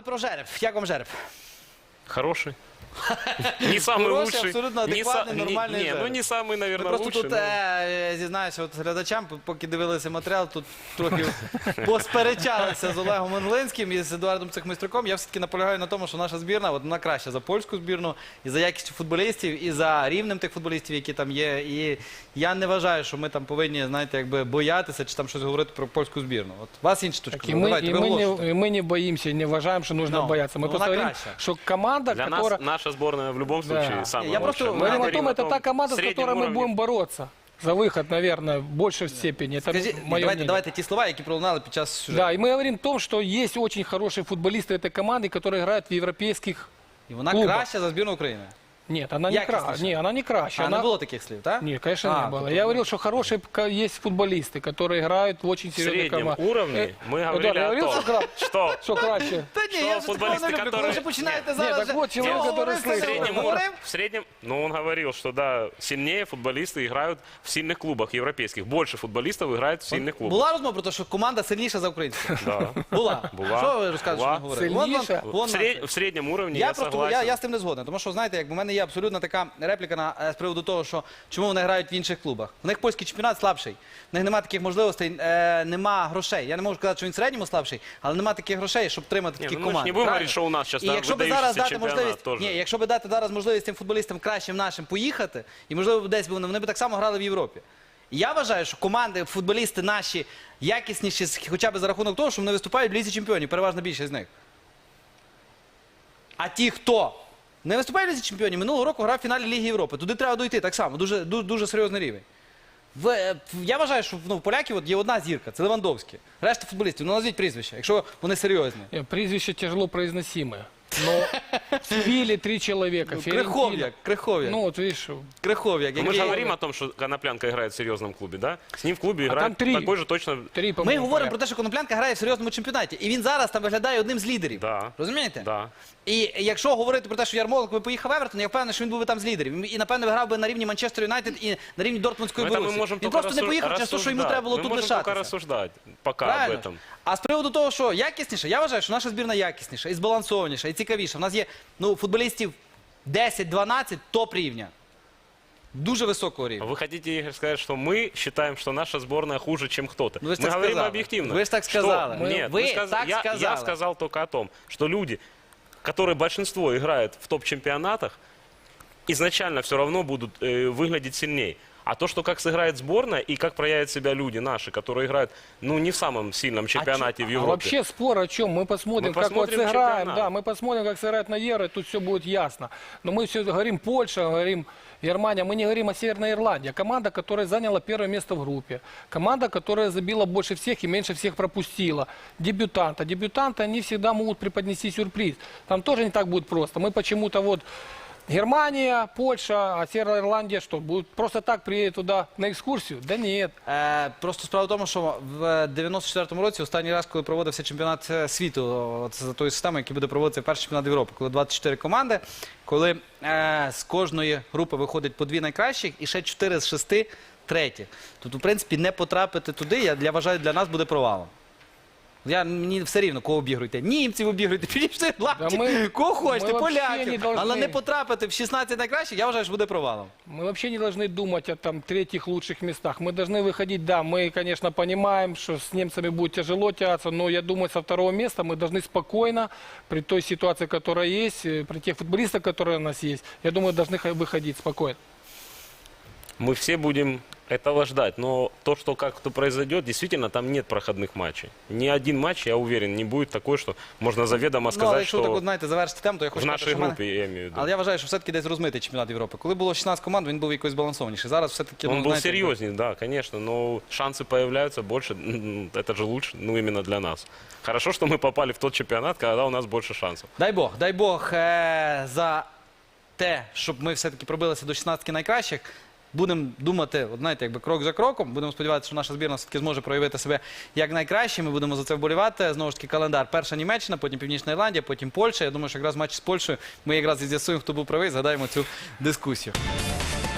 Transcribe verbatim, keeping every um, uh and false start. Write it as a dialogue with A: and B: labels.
A: про жереб. Як вам жереб?
B: Хороший. Не самый
A: Хороший,
B: лучший.
A: абсолютно
B: не
A: адекватный,
B: са- не-
A: нормальный
B: Не, ну
A: жереб.
B: не самый, наверное,
A: Просто
B: лучший.
A: тут,
B: но-
A: е, зізнаюся, от глядачам, поки дивилися матеріал, тут трохи посперечалися з Олегом Англинським і з Едуардом Цехмистрюком. Я все-таки наполягаю на тому, що наша збірна, от вона краща за польську збірну, і за якістю футболістів, і за рівнем тих футболістів, які там є. І я не вважаю, що ми там повинні, знаєте, якби боятися чи там щось говорити про польську збірну. От у вас інші точки
C: Так, и,
A: зору.
C: мы,
A: Давайте,
C: и,
A: ви
C: мы
A: оголошуйте.
C: не, и мы не боимся, и не уважаем, что нужно
A: Ну,
C: бояться. Мы
A: ну,
C: просто
A: она
C: говорим,
A: краща.
C: что команда,
B: Для
C: которая...
B: нас наша сборная в любом случае
C: Да.
B: самая
A: Я
B: лучшая.
A: просто
B: Мы
A: говорю
C: Говорим о
B: говорим
C: том, это та команда,
B: в
C: с
B: среднем
C: которой мы
B: уровне.
C: будем бороться за выход, наверное, в большей степени. Это
A: Скажіть,
C: мое
A: давайте,
C: мнение.
A: давайте ті слова, які пролунали під час сюжету.
C: Да, и мы говорим о том, что есть очень хорошие футболисты этой команды, которые играют в европейских...
A: І вона
C: клубах.
A: краща за збірну України.
C: Нет, она не
A: Якостнейшая.
C: краща. Не, она не краща.
A: А
C: она...
A: не було таких слів, так?
C: Нет, конечно,
A: А,
C: не было.
A: тобто-
C: Я говорил, что хорошие ка- есть футболисты, которые играют в очень
B: В
C: серьезной
B: среднем
C: команде.
B: уровне мы
C: Эдуард,
B: говорили
C: я
B: о
C: говорил,
B: том,
C: что кра-
B: что
C: Что краще?
A: Та ні,
B: Що
A: я вже
B: футболісти,
A: такого не люблю. Коли
B: которые-
A: вже починаєте
C: Ні,
A: зараз...
C: так
A: же-
C: от чоловік,
A: Ну,
C: який
A: говорив,
B: в
C: слышал.
B: среднем,
A: говорив.
B: уровне, в среднем, ну он говорил, что да, сильнее футболисты играют в сильных клубах европейских. Больше футболистов играет в сильных клубах.
A: Була розмова про те, що команда сильніша за українську?
B: Да.
A: Була.
B: Була.
A: Що ви розказуєте, що
B: Була.
A: не говорили? Вон вам-
C: Сильніша?
A: вон
B: В,
A: вам
B: сред-
A: це.
B: в среднем уровне
A: Я
B: я,
A: просто
B: согласен.
A: я, я з тим не згоден, тому що знаєте, як в мене є абсолютно така репліка на е, з приводу того, що чому вони грають в інших клубах. У них польський чемпіонат слабший. В них немає таких можливостей, е, нема грошей. Я не можу сказати, що він в середньому слабший, але немає таких грошей, щоб тримати
B: Ні,
A: такі
B: ну, ми ж
A: команди.
B: не будемо
A: правильно?
B: говорити, що у нас щас
A: І
B: там
A: якщо би
B: видаючийся
A: зараз дати
B: чемпіонат
A: можливість,
B: теж.
A: ні, якщо би дати зараз можливість тим футболістам кращим нашим поїхати, і можливо десь би вони, вони б так само грали в Європі. І я вважаю, що команди, футболісти наші якісніші, хоча б за рахунок того, що вони виступають в Лізі чемпіонів, переважна більшість з них. А ті, хто не виступає в Лізі чемпіонів, минулого року грав в фіналі Ліги Європи. Туди треба дойти так само, дуже, дуже, дуже серйозний рівень. В, е, в- я вважаю, що ну, в поляків от є одна зірка, це Левандовський. Решта футболістів, ну назвіть прізвище, якщо вони серйозні.
C: Э, Прізвище тяжело произносимое. Но в Севиле три человека. Фиорентина.
A: Крихов'як, Крихов'як,
C: Ну вот видишь,
A: Крихов'як.
B: Ну, мы
A: який-
B: же говорим о том, что Коноплянка играет в серьезном клубе, да? С ним в клубе
C: А
B: играет
C: там три.
B: такой же точно...
C: три,
A: Ми
C: по-моему,
A: говоримо
C: поля.
A: про те, що Коноплянка грає в серйозному чемпіонаті. І він зараз там виглядає одним з лідерів.
B: Да.
A: Розумієте?
B: Да.
A: І якщо говорити про те, що Ярмоленко би поїхав в Евертон, я впевнений, що він був би там з лідерів. І, напевно, грав би на рівні Манчестер Юнайтед і на рівні Дортмундської
B: Ну, это мы
A: Борусі.
B: можем
A: Він
B: только
A: просто не
B: рассу-
A: поїхав через те, що йому
B: рассуждать.
A: треба було
B: Мы
A: тут
B: можем только
A: лишатися.
B: рассуждать пока
A: Правильно?
B: об этом.
A: А з приводу того, що якісніше, я вважаю, що наша збірна якісніша, і збалансованіша, і цікавіша. У нас є ну, футболістів десять-дванадцять топ рівня. Дуже високого рівня.
B: Вы хотите, Игорь, сказать, что мы считаем, что наша сборная хуже, чем кто-то?
A: Ну, вы ж
B: мы
A: так
B: говорим
A: сказали.
B: объективно.
A: Вы ж так
B: Что-
A: сказали.
C: Мы-
B: Нет,
A: вы
B: вы сказ-
A: так
B: я,
A: сказали.
B: я сказал только о том, что люди, которые большинство играют в топ-чемпионатах, изначально все равно будут э, выглядеть сильнее. А то, что как сыграет сборная и как проявят себя люди наши, которые играют, ну, не в самом сильном чемпионате в
C: А
B: Европе.
C: вообще спор о чем? Мы посмотрим,
B: Мы
C: как
B: посмотрим
C: вот сыграем.
B: чемпионат.
C: Да, мы посмотрим, как сыграют на Евро, и тут все будет ясно. Но мы все говорим Польша, говорим Германия, мы не говорим о Северной Ирландии. А команда, которая заняла первое место в группе. Команда, которая забила больше всех и меньше всех пропустила. Дебютанта. Дебютанты, они всегда могут преподнести сюрприз. Там тоже не так будет просто. Мы почему-то вот... Германия, Польша, а Северная Ирландия что, будут просто так приедут туда на экскурсию? Да нет.
A: Е, просто справа в тому, що в дев'яносто четвертому році, останній раз, коли проводився чемпіонат е, світу, от за тою системою, який буде проводитися перший чемпіонат Європи, коли двадцять чотири команди, коли е, з кожної групи виходить по дві найкращих і ще чотири з шести треті. Тобто, в принципі, не потрапити туди, я, я вважаю, для нас буде провалом. Я, мені все рівно, кого обігруйте. Німців обігруйте, північної Ірландії,
C: Да ми-
A: кого хочете,
C: ми вообще
A: поляків.
C: не должны-
A: Але не потрапити в шістнадцять найкращих, я вважаю, що буде провалом.
C: Мы вообще не должны думать о там третьих лучших местах. Мы должны выходить, да, мы, конечно, понимаем, что с немцами будет тяжело тягаться, но я думаю, со второго места мы должны спокойно, при той ситуации, которая есть, э, при тех футболистах, которые у нас есть, я думаю, должны х- выходить спокойно.
B: Мы все будем этого ждать. Но то, что как-то произойдет, действительно, там нет проходных матчей. Ни один матч, я уверен, не будет такой, что можно заведомо
A: Ну, але
B: сказать,
A: якщо так,
B: что
A: от, знаєте, завершити тему, то я хочу
B: в
A: сказати,
B: нашей
A: що в мене-
B: группе, я имею в виду.
A: Але я вважаю, що все-таки десь розмитий чемпіонат Європи. Коли було шістнадцять команд, він був якось збалансованіший. Зараз все-таки...
B: Он
A: ну,
B: был
A: знаєте,
B: серьезнее, да, конечно, но шансы появляются больше, м, это же лучше, ну, именно для нас. Хорошо, что мы попали в тот чемпионат, когда у нас больше шансов.
A: Дай Бог, дай Бог е- за те, щоб ми все-таки пробилися до шістнадцяти найкращих. Будемо думати, от знаєте, якби крок за кроком. Будемо сподіватися, що наша збірна все-таки зможе проявити себе як найкраще. Ми будемо за це вболівати. Знову ж таки, календар. Перша Німеччина, потім Північна Ірландія, потім Польща. Я думаю, що якраз матч з Польщею ми якраз і з'ясуємо, хто був правий, згадаємо цю дискусію.